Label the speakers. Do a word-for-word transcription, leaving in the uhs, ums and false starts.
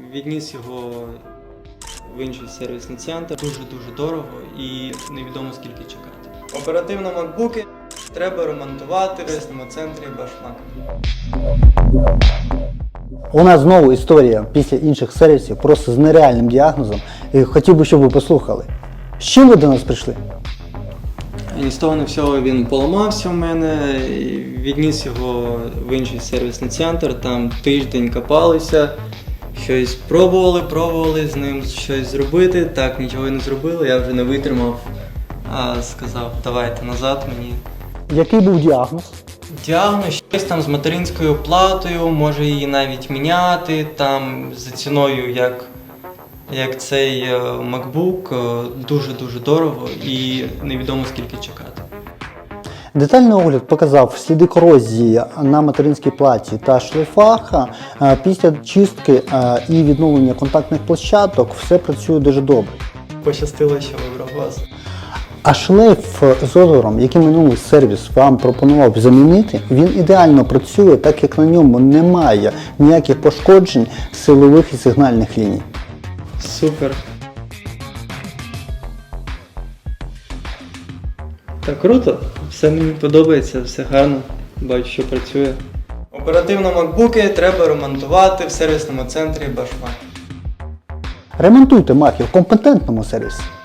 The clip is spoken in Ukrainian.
Speaker 1: відніс його в інший сервісний центр. Дуже-дуже дорого і невідомо скільки чекати. Оперативно макбуки треба ремонтувати в сервісному центрі Башмак.
Speaker 2: У нас знову історія після інших сервісів просто з нереальним діагнозом. І хотів би, щоб ви послухали. З чим ви до нас прийшли?
Speaker 1: І ні з того, ні всього він поламався в мене, і відніс його в інший сервісний центр, там тиждень копалися, щось пробували, пробували з ним щось зробити, так нічого і не зробили, я вже не витримав, а сказав, давайте назад мені.
Speaker 2: Який був діагноз?
Speaker 1: Діагноз щось там з материнською платою, може її навіть міняти, там за ціною, як, як цей MacBook, дуже-дуже дорого і невідомо скільки чекати.
Speaker 2: Детальний огляд показав сліди корозії на материнській платі та шлейфах. Після чистки і відновлення контактних площадок все працює дуже добре.
Speaker 1: Пощастило, що вибрав вас.
Speaker 2: А шлейф з озором, який минулий сервіс вам пропонував замінити, він ідеально працює, так як на ньому немає ніяких пошкоджень силових і сигнальних ліній.
Speaker 1: Супер. Так, круто. Все мені подобається, все гарно. Бачу, що працює. Оперативно макбуки треба ремонтувати в сервісному центрі Башмак.
Speaker 2: Ремонтуйте маки в компетентному сервісі.